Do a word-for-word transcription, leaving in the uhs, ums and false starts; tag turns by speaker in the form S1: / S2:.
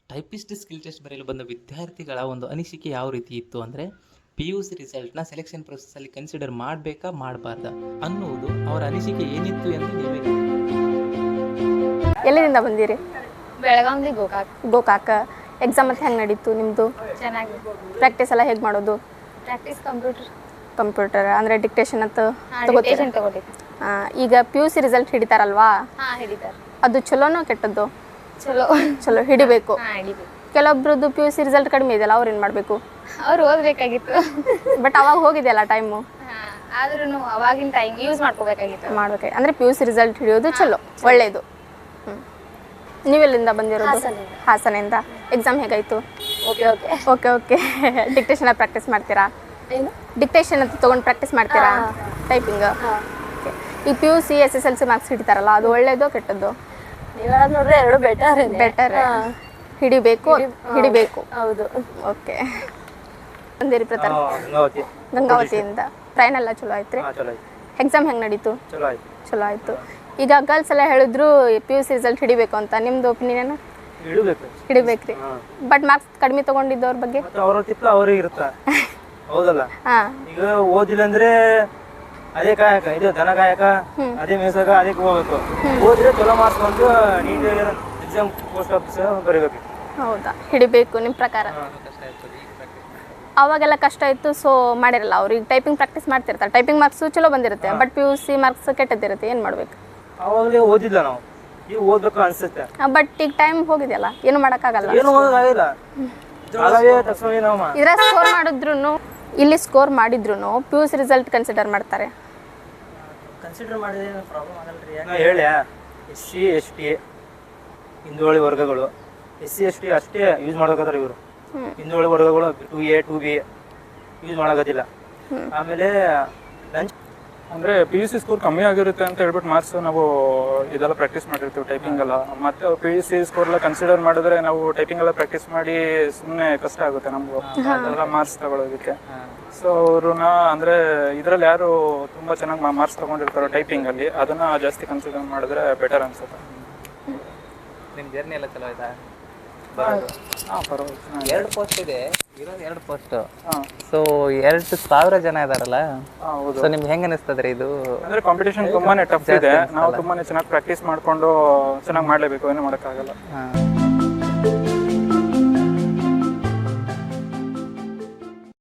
S1: Typist skill test ಬರೆಯಲು ಬಂದ ವಿದ್ಯಾರ್ಥಿಗಳ ಒಂದು ಅನಿಸಿಕೆ ಯಾವ ರೀತಿ ಇತ್ತು ಅಂದರೆ ಪಿ ಯು ಸಿ ರಿಸಲ್ಟ್ನ ಸೆಲೆಕ್ಷನ್ ಪ್ರೊಸೆಸ್ಸಲ್ಲಿ ಕನ್ಸಿಡರ್ ಮಾಡಬೇಕಾ ಮಾಡಬಾರ್ದಾ ಅನ್ನುವುದು ಅವರ ಅನಿಸಿಕೆ ಏನಿತ್ತು ಎಂದು ನೀವೇ
S2: ಎಲ್ಲಿಂದ ಬಂದಿರಿ?
S3: ಬೆಳಗಾವಿ ಗೋಕಾಕ್
S2: ಗೋಕಾಕ. ಎಕ್ಸಾಮ್ ಮತ್ತೆ ಹೆಂಗೆ ನಡೀತು ನಿಮ್ಮದು?
S3: ಚೆನ್ನಾಗಿ.
S2: ಪ್ರಾಕ್ಟೀಸ್ ಎಲ್ಲ ಹೇಗೆ ಮಾಡೋದು?
S3: ಪ್ರಾಕ್ಟೀಸ್ ಕಂಪ್ಯೂಟರ್
S2: ಕಂಪ್ಯೂಟರ್ ಅಂದರೆ ಡಿಕ್ಟೇಷನ್ ಅಂತ
S3: ಡಿಕ್ಟೇಷನ್ ತಗೋಬೇಕು.
S2: ಈಗ ಪಿ ಯು ಸಿ ರಿಸಲ್ಟ್ ಹಿಡಿತಾರಲ್ವಾ,
S3: ಹಾಂ ಹಿಡಿತಾರೆ.
S2: ಅದು ಚಲೋನೋ ಕೆಟ್ಟದ್ದು?
S3: ಚಲೋ
S2: ಚಲೋ ಹಿಡಿಬೇಕು.
S3: ಹಾಂ ಹಿಡಿಬೇಕು.
S2: ಕೆಲವೊಬ್ರದ್ದು ಪಿ ಯು ಸಿ ರಿಸಲ್ಟ್ ಕಡಿಮೆ ಇದೆಯಲ್ಲ, ಅವ್ರು ಏನು ಮಾಡಬೇಕು?
S3: ಅವ್ರು ಓದಬೇಕಾಗಿತ್ತು.
S2: ಬಟ್ ಅವಾಗ ಹೋಗಿದೆಯಲ್ಲ ಟೈಮು,
S3: ಹಾಂ ಆದ್ರೂ ಅವಾಗಿನ ಟೈಮ್ ಯೂಸ್ ಮಾಡ್ಕೋಬೇಕಾಗಿತ್ತು.
S2: ಮಾಡ್ಬೇಕು ಅಂದರೆ ಪಿ ಯು ಸಿ ರಿಸಲ್ಟ್ ಹಿಡಿಯೋದು ಚಲೋ, ಒಳ್ಳೆಯದು. ಹ್ಞೂ ನೀವೆಲ್ಲಿಂದ ಬಂದಿರೋದು?
S3: ಹಾಸನದಿಂದ.
S2: ಹಾಸನಿಂದ. ಎಕ್ಸಾಮ್ ಹೇಗಾಯಿತು?
S3: Okay okay
S2: okay okay dictation practice ಮಾಡ್ತೀರಾ?
S3: ಏನು
S2: ಡಿಕ್ಟೇಷನ್ ಅಂತ ತೊಗೊಂಡು ಪ್ರಾಕ್ಟೀಸ್ ಮಾಡ್ತೀರಾ? ಟೈಪಿಂಗ್.
S3: ಹಾಂ
S2: ಓಕೆ. ಈ P U C S S L C marks ಹಿಡಿತಾರಲ್ಲ, ಅದು ಒಳ್ಳೆಯದು ಕೆಟ್ಟದ್ದು?
S3: ನೀವು ಹೇಳೋದು ನೋಡ್ರೆ ಎರಡು ಬೆಟರ್
S2: ಬೆಟರ್. ಹಿಡಿಬೇಕು ಹಿಡಿಬೇಕು.
S3: ಹೌದು.
S2: ಓಕೆ. ಬಂದಿರಿ ಪ್ರತಾಪ್?
S4: ಗಂಗಾವತಿ
S2: ಗಂಗಾವತಿಯಿಂದ. ಟ್ರೈನ್ ಎಲ್ಲ ಚಲೋ ಆಯ್ತು ರೀ?
S4: ಚಲೋ ಆಯ್ತು.
S2: ಎಕ್ಸಾಮ್ ಹೆಂಗೆ ನಡೀತು?
S4: ಚಲೋ ಆಯ್ತು.
S2: ಚಲೋ ಆಯಿತು. ಈಗ ಗರ್ಲ್ಸ್ ಎಲ್ಲ ಹೇಳಿದ್ರು ಪಿ ಯು ಸಿ ರಿಸಲ್ಟ್ ಹಿಡಿಬೇಕು ಅಂತ, ನಿಮ್ಮದು ಒಪಿನಿಯನ್?
S4: ಇಡಬೇಕು.
S2: ಹಿಡಿಬೇಕು ರೀ. ಬಟ್ ಮಾರ್ಕ್ಸ್ ಕಡಿಮೆ ತೊಗೊಂಡಿದ್ದವ್ರ ಬಗ್ಗೆ?
S4: ಮತ್ತೆ ಅವ್ರ ತಿಪ್ಪ ಅವ್ರಿಗೆ ಇರುತ್ತ, ಹೌದಲ್ಲ?
S2: ಹಾಂ.
S4: ಈಗ ಓದಿಲ್ಲ ಅಂದ್ರೆ ಅದೇ ಕಾಯಕ, ಇದು ದನ ಕಾಯಕ, ಅದೇ ಮೇಸಾಗ ಅದಕ್ಕೆ ಹೋಗ್ಬೇಕು. ಓದಿದ್ರೆ ಚಲೋ ಮಾರ್ಕ್ಸ್ ಬಂದು ನೀಟಾಗಿ ಎಕ್ಸಾಮ್ ಪೋಸ್ಟ್ ಆಫೀಸ್ ಬರೀಬೇಕು.
S2: ಹೌದಾ? ಹಿಡಿಬೇಕು ನಿಮ್ಮ ಪ್ರಕಾರ? ಅವಾಗೆಲ್ಲ ಕಷ್ಟ ಇತ್ತು, ಸೊ ಮಾಡಿರಲ್ಲ ಅವ್ರು. ಈಗ ಟೈಪಿಂಗ್ ಪ್ರಾಕ್ಟೀಸ್ ಮಾಡ್ತಿರ್ತಾರೆ, ಟೈಪಿಂಗ್ ಮಾರ್ಕ್ಸು ಚಲೋ ಬಂದಿರುತ್ತೆ, but P U C marks ಕೆಟ್ಟದಿರುತ್ತೆ, ಏನು ಮಾಡಬೇಕು?
S4: ಅವಾಗಲೇ ಓದಿಲ್ಲ ನಾವು, ಈಗ ಓದ್ಬೇಕು ಅನ್ಸುತ್ತೆ.
S2: ಬಟ್ ಈಗ ಟೈಮ್ ಹೋಗಿದೆಯಲ್ಲ, ಏನು ಮಾಡೋಕ್ಕಾಗಲ್ಲ.
S4: ಏನು ಓದೋದಾಗಿಲ್ಲ, ಹಾಗಾಗೇ ತಕ್ಷಣ ನಾವು
S2: ಇದರ ಸ್ಕೋರ್ ಮಾಡಿದ್ರು, ಇಲ್ಲಿ ಸ್ಕೋರ್ ಮಾಡಿದ್ರು P U C result consider ಮಾಡ್ತಾರೆ.
S5: ಕನ್ಸಿಡರ್ ಮಾಡಿದ್ರೆ ಪ್ರಾಬ್ಲಮ್ ಆಗಲ್ರಿ.
S4: ನಾ ಹೇಳಿ, ಎಸ್ ಸಿ ಎಸ್ ಟಿ ಹಿಂದುಳಿದ ವರ್ಗಗಳು, ಎಸ್ ಸಿ ಎಸ್ ಟಿ ಅಷ್ಟೇ ಯೂಸ್ ಮಾಡಕತ್ತಾರ ಇವರು. ಹಿಂದುಳಿದ ವರ್ಗಗಳು two A two B use ಮಾಡಕತ್ತಿಲ್ಲ. ಆಮೇಲೆ ಲಂಚ್
S6: ಅಂದರೆ ಪಿ ಯು ಸಿ ಸ್ಕೋರ್ ಕಮ್ಮಿ ಆಗಿರುತ್ತೆ ಅಂತ ಹೇಳ್ಬಿಟ್ಟು ಮಾರ್ಕ್ಸ್ ನಾವು ಇದೆಲ್ಲ ಪ್ರಾಕ್ಟೀಸ್ ಮಾಡಿರ್ತೀವಿ ಟೈಪಿಂಗ್ ಎಲ್ಲ. ಮತ್ತೆ ಪಿ ಯು ಸಿ ಸ್ಕೋರ್ ಎಲ್ಲ ಕನ್ಸಿಡರ್ ಮಾಡಿದ್ರೆ ನಾವು ಟೈಪಿಂಗ್ ಎಲ್ಲ ಪ್ರಾಕ್ಟೀಸ್ ಮಾಡಿ ಸುಮ್ಮನೆ ಕಷ್ಟ ಆಗುತ್ತೆ ನಮಗೂ ಅದೆಲ್ಲ ಮಾರ್ಕ್ಸ್ ತಗೊಳ್ಳೋದಕ್ಕೆ. ಸೊ ಅವ್ರನ್ನ ಅಂದರೆ ಇದರಲ್ಲಿ ಯಾರು ತುಂಬ ಚೆನ್ನಾಗಿ ಮಾರ್ಕ್ಸ್ ತೊಗೊಂಡಿರ್ತಾರೋ ಟೈಪಿಂಗಲ್ಲಿ, ಅದನ್ನು ಜಾಸ್ತಿ ಕನ್ಸಿಡರ್ ಮಾಡಿದ್ರೆ ಬೆಟರ್ ಅನ್ಸುತ್ತೆ.
S1: ನಿಮ್ಮ ಜರ್ನಿ ಎಲ್ಲ ಚಲೋ ಆಯ್ತಾ?
S6: ಹಾಂ ಪರವಾಗಿಲ್ಲ.
S1: ಎರಡು ಪೋಸ್ಟ್ ಇದೆ, ಇರೋದು ಎರಡು ಪೋಸ್ಟ್.
S6: ಹಾಂ.
S1: ಸೊ ಎರಡು ಸಾವಿರ ಜನ ಇದಾರಲ್ಲ,
S6: ಹಾಂ ಹೌದು.
S1: ಸೊ ನಿಮ್ಗೆ ಹೆಂಗೆ ಅನಿಸ್ತದ್ರಿ ಇದು?
S6: ಅಂದರೆ ಕಾಂಪಿಟೇಷನ್ ತುಂಬಾ ಟಫ್ ಇದೆ, ನಾವು ತುಂಬಾ ಚೆನ್ನಾಗಿ ಪ್ರಾಕ್ಟೀಸ್ ಮಾಡಿಕೊಂಡು ಚೆನ್ನಾಗಿ ಮಾಡಲೇಬೇಕು, ಏನೂ ಮಾಡೋಕ್ಕಾಗಲ್ಲ.
S1: ಹಾಂ.